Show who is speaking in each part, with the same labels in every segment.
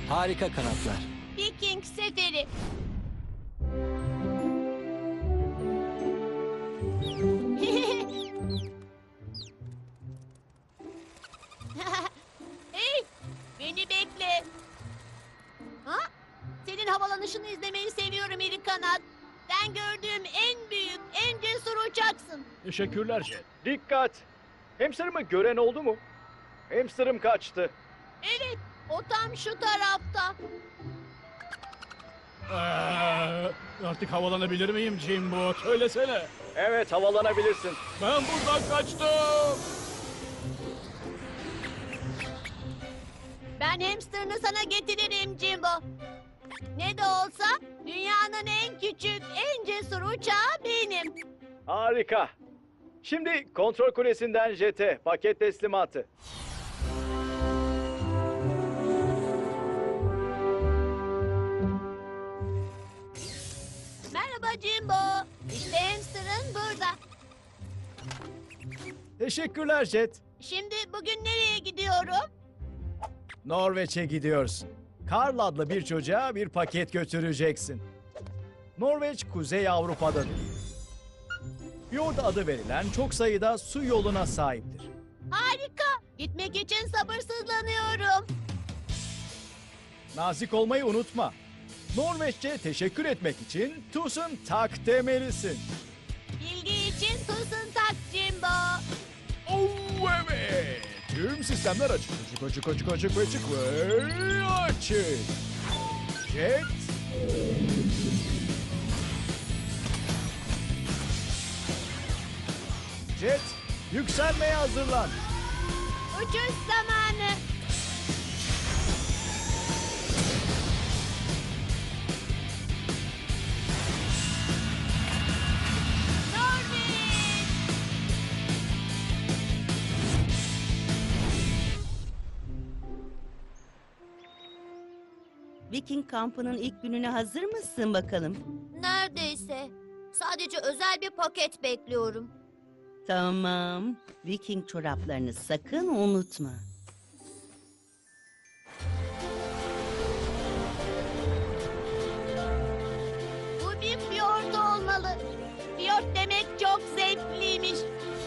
Speaker 1: Harika kanatlar.
Speaker 2: Viking seferi. Hey, beni bekle. Ha? Senin havalanışını izlemeyi seviyorum iri kanat. Sen gördüğüm en büyük, en cesur uçaksın.
Speaker 3: Teşekkürler Jet. Dikkat! Hamsterımı gören oldu mu? Hamsterım kaçtı.
Speaker 2: Evet, o tam şu tarafta.
Speaker 4: Artık havalanabilir miyim Jimbo? Söylesene.
Speaker 3: Evet, havalanabilirsin.
Speaker 4: Ben buradan kaçtım.
Speaker 2: Ben hamsterını sana getiririm Jimbo. Ne de olsa dünyanın en küçük, en cesur uçağı benim.
Speaker 3: Harika. Şimdi kontrol kulesinden Jet'e paket teslimatı.
Speaker 2: Merhaba Jimbo. İşte hamsterın burada.
Speaker 5: Teşekkürler Jet.
Speaker 2: Şimdi bugün nereye gidiyorum?
Speaker 5: Norveç'e gidiyorsun. Karl adlı bir çocuğa bir paket götüreceksin. Norveç, Kuzey Avrupa'dadır. Fjord adı verilen çok sayıda su yoluna sahiptir.
Speaker 2: Harika. Gitmek için sabırsızlanıyorum.
Speaker 5: Nazik olmayı unutma. Norveççe teşekkür etmek için tusen tak demelisin.
Speaker 2: Bilgi için tusun tak Jimbo.
Speaker 5: Oh evet. Tüm sistemler açık. Açık ve açık. Jet. Jet, yükselmeye hazırlan.
Speaker 2: Uçuş zamanı. Norveç.
Speaker 6: Viking kampının ilk gününe hazır mısın bakalım?
Speaker 2: Neredeyse. Sadece özel bir paket bekliyorum.
Speaker 6: Tamam. Viking çoraplarını sakın unutma.
Speaker 2: Bu bir fiyort olmalı. Fiyort demek çok zevkliymiş.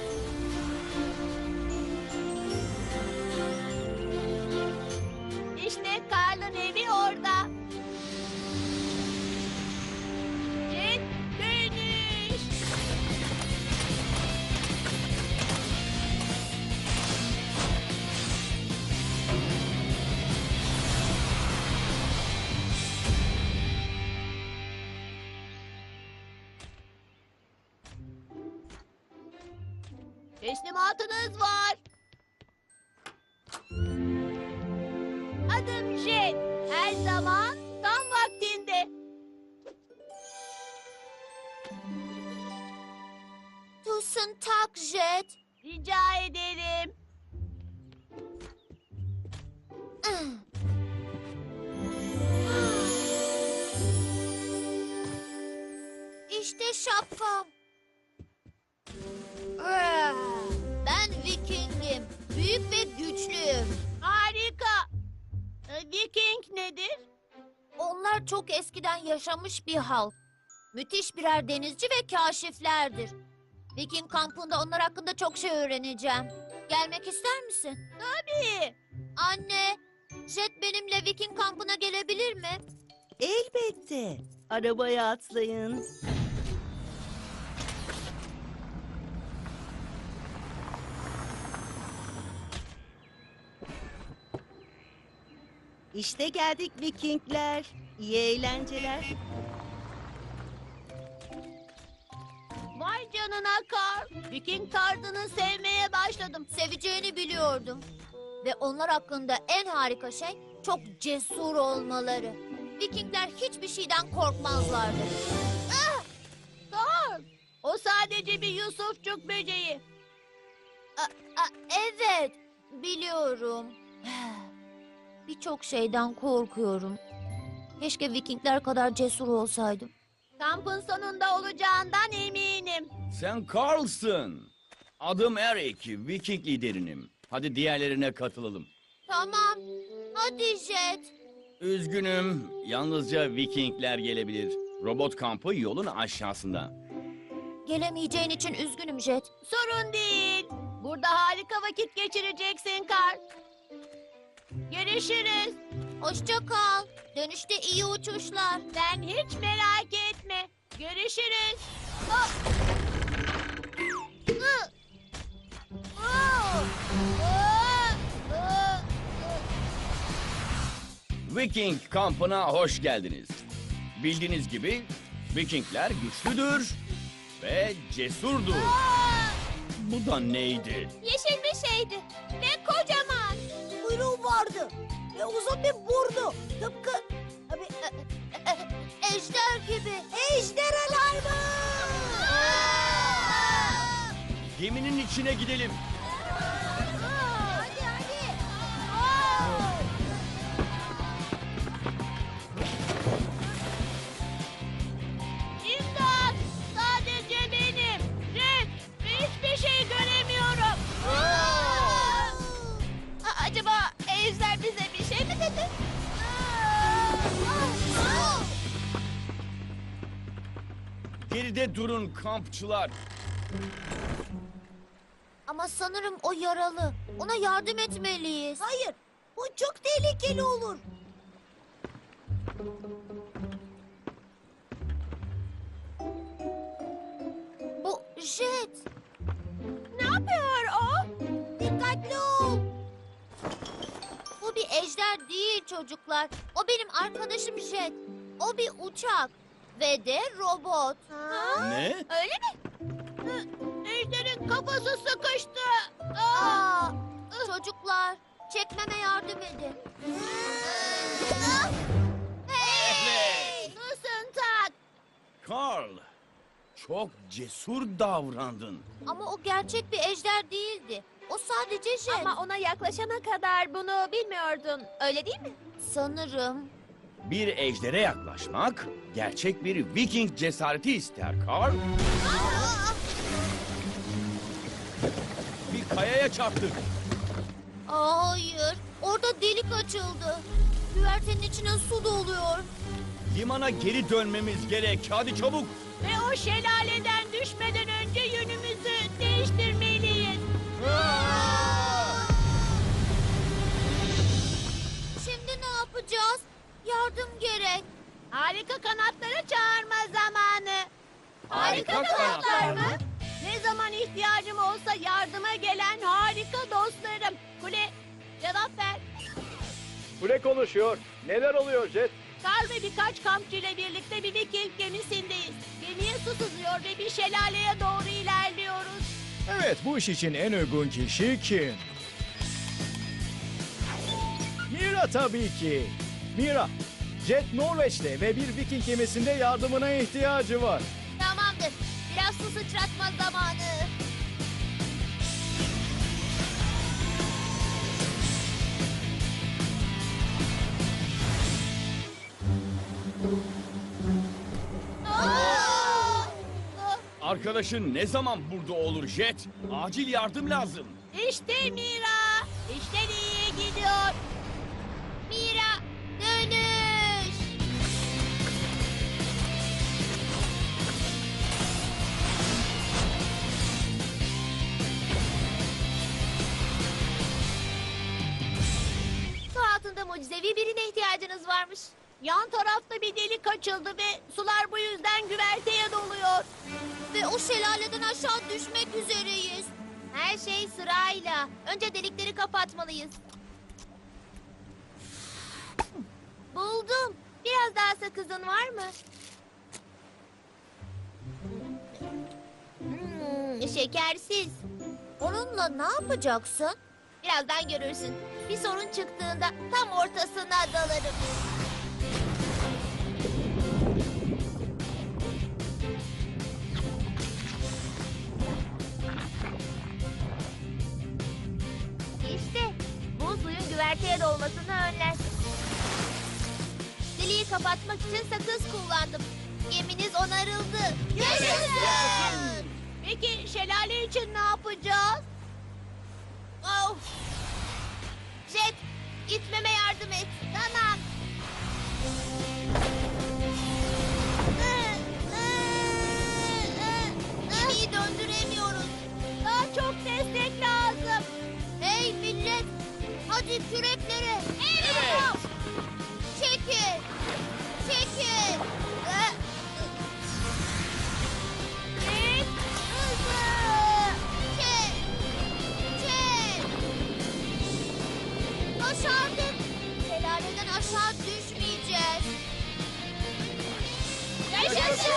Speaker 2: İşte Karl'ın evi orada. Jet dönüş. Teslimatınız var. Adım Jet. Her zaman tam vaktinde. Tusun tak Jet. Rica ederim. İşte şapkam. Ben Viking'im. Büyük ve güçlüyüm. Harika. Viking nedir? Onlar çok eskiden yaşamış bir halk. Müthiş birer denizci ve kaşiflerdir. Viking kampında onlar hakkında çok şey öğreneceğim. Gelmek ister misin? Tabii. Anne, Jet benimle Viking kampına gelebilir mi?
Speaker 6: Elbette. Arabaya atlayın. İşte geldik Vikingler. İyi eğlenceler.
Speaker 2: Vay canına Karl. Viking tarzını sevmeye başladım. Seveceğini biliyordum. Ve onlar hakkında en harika şey çok cesur olmaları. Vikingler hiçbir şeyden korkmazlardı. Ah! Karl, o sadece bir Yusufçuk böceği. Evet, biliyorum. Birçok şeyden korkuyorum. Keşke Vikingler kadar cesur olsaydım. Kampın sonunda olacağından eminim.
Speaker 7: Sen Carlsın. Adım Eric, Viking liderinim. Hadi diğerlerine katılalım.
Speaker 2: Tamam. Hadi Jet.
Speaker 7: Üzgünüm. Yalnızca Vikingler gelebilir. Robot kampı yolun aşağısında.
Speaker 2: Gelemeyeceğin için üzgünüm Jet.
Speaker 1: Sorun değil. Burada harika vakit geçireceksin Karl. Görüşürüz.
Speaker 2: Hoşça kal. Dönüşte iyi uçuşlar.
Speaker 1: Sen hiç merak etme. Görüşürüz. Oh!
Speaker 2: Hı! Oh! Oh! Oh!
Speaker 7: Viking kampına hoş geldiniz. Bildiğiniz gibi Vikingler güçlüdür ve cesurdur. Bu da neydi?
Speaker 2: Yeşil bir şeydi ve kocaman. Kuyruğu vardı ve uzun bir burnu. Tıpkı ejder gibi. Ejderhalar mı?
Speaker 7: Geminin içine gidelim.
Speaker 2: Hadi hadi.
Speaker 1: İmdat! Sadece benim. Red ve hiçbir şey göremiyorum.
Speaker 2: Acaba ejder bize bir şey mi dedi?
Speaker 7: Geride durun kampçılar.
Speaker 2: Ama sanırım o yaralı. Ona yardım etmeliyiz. Hayır. Bu çok tehlikeli olur. Bu Jet.
Speaker 1: Ne yapıyor o?
Speaker 2: Dikkatli ol. Bu bir ejder değil çocuklar. O benim arkadaşım Jet. O bir uçak. Ve de robot.
Speaker 7: Ne?
Speaker 2: Öyle mi?
Speaker 1: Ejder'in kafası sıkıştı.
Speaker 2: Aa, çocuklar, çekmeme yardım edin. Hey!
Speaker 1: Nasılsın Tat?
Speaker 7: Karl, çok cesur davrandın.
Speaker 2: Ama o gerçek bir ejder değildi. O sadece Jet.
Speaker 1: Ama ona yaklaşana kadar bunu bilmiyordun. Öyle değil mi?
Speaker 2: Sanırım.
Speaker 7: Bir ejdere yaklaşmak gerçek bir Viking cesareti ister Karl. Bir kayaya çarptık.
Speaker 2: Hayır, orada delik açıldı. Güvertenin içine su doluyor.
Speaker 7: Limana geri dönmemiz gerek. Hadi çabuk.
Speaker 1: Ve o şelaleden düşmeden önce yönümüzü değiştirmeliyiz.
Speaker 2: Şimdi ne yapacağız? Yardım gerek.
Speaker 1: Harika kanatları çağırma zamanı.
Speaker 7: Harika kanatlar mı?
Speaker 1: Ne zaman ihtiyacım olsa yardıma gelen harika dostlarım. Kule, cevap ver.
Speaker 3: Kule konuşuyor. Neler oluyor Jet?
Speaker 1: Karl ve birkaç kampçıyla birlikte bir Viking gemisindeyiz. Gemiye su sızıyor ve bir şelaleye doğru ilerliyoruz.
Speaker 5: Evet, bu iş için en uygun kişi kim? Mira tabii ki. Mira, Jet Norveç'te ve bir Viking gemisinde yardımına ihtiyacı var.
Speaker 2: Tamamdır. Biraz su sıçratma zamanı.
Speaker 7: Arkadaşın ne zaman burada olur Jet? Acil yardım lazım.
Speaker 1: İşte Mira. İşler iyiye gidiyor.
Speaker 2: Mira, dönüş. Su altında mucizevi birine ihtiyacınız varmış.
Speaker 1: Yan tarafta bir delik açıldı ve sular bu yüzden güverteye doluyor.
Speaker 2: Ve o şelaleden aşağı düşmek üzereyiz. Her şey sırayla. Önce delikleri kapatmalıyız. Buldum. Biraz daha sakızın var mı? Şekersiz. Onunla ne yapacaksın? Birazdan görürsün. Bir sorun çıktığında tam ortasına dalarım. İşte bu suyun güverteye dolmasını önler. Deliği kapatmak için sakız kullandım. Geminiz onarıldı. Yaşasın!
Speaker 1: Peki şelale için ne yapacağız?
Speaker 2: Of! Jet, gitmeme yardım et. Tamam. asla düşmeyeceğiz. Yaşasın!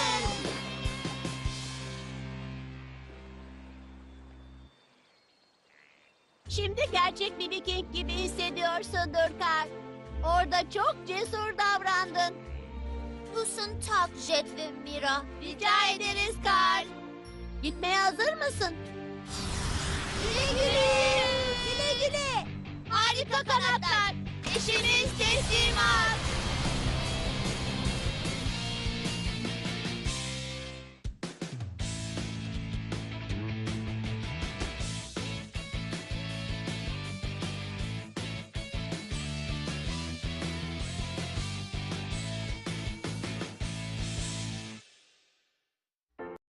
Speaker 1: Şimdi gerçek bir Viking gibi hissediyorsundur Karl. Orada çok cesur davrandın.
Speaker 2: Pus'un tak Jet ve Mira.
Speaker 1: Rica ederiz Karl. Gitmeye hazır mısın?
Speaker 2: Güle güle. Güle güle.
Speaker 1: Harika kanatlar. İşimiz teslim